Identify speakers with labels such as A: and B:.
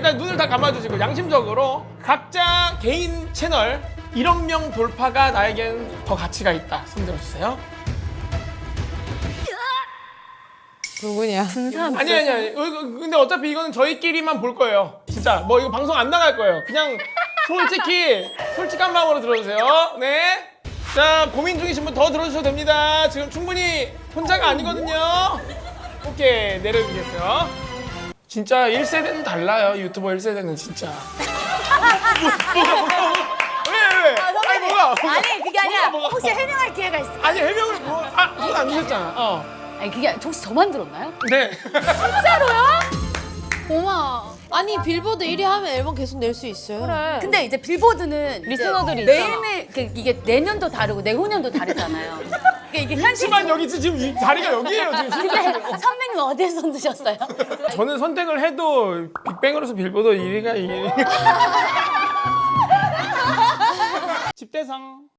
A: 일단 눈을 다 감아주시고 양심적으로 각자 개인 채널 1억 명 돌파가 나에겐 더 가치가 있다. 손들어주세요.
B: 누구냐?
A: 아니. 근데 어차피 이거는 저희끼리만 볼 거예요. 진짜 뭐 이거 방송 안 나갈 거예요. 그냥 솔직한 마음으로 들어주세요. 네. 자, 고민 중이신 분 더 들어주셔도 됩니다. 지금 충분히 혼자가 아니거든요. 오케이, 내려주겠어요. 진짜 1세대는 달라요. 유튜버 1세대는 진짜. 왜? 아니, 뭐가?
C: 아니 그게 아니라
A: 뭐가?
C: 혹시 해명할 기회가 있을까요?
A: 아니, 해명을 손안 주셨잖아.
C: 아니 그게 혹시 저만 들었나요?
A: 네.
B: 고마워. 아니 빌보드 1위 하면 앨범 계속 낼 수 있어요.
D: 그래.
C: 근데 이제 빌보드는
D: 리스너들이
C: 이제
D: 있잖아.
C: 매일매일 이게 내년도 다르고 내후년도 다르잖아요. 그러니까 이게 현실.
A: 하지만 여기 지금 이 자리가 여기예요. 지금
C: 근데 선배님 어디에 손 드셨어요?
A: 저는 선택을 해도 빅뱅으로서 빌보드 1위가 1위. 집대상.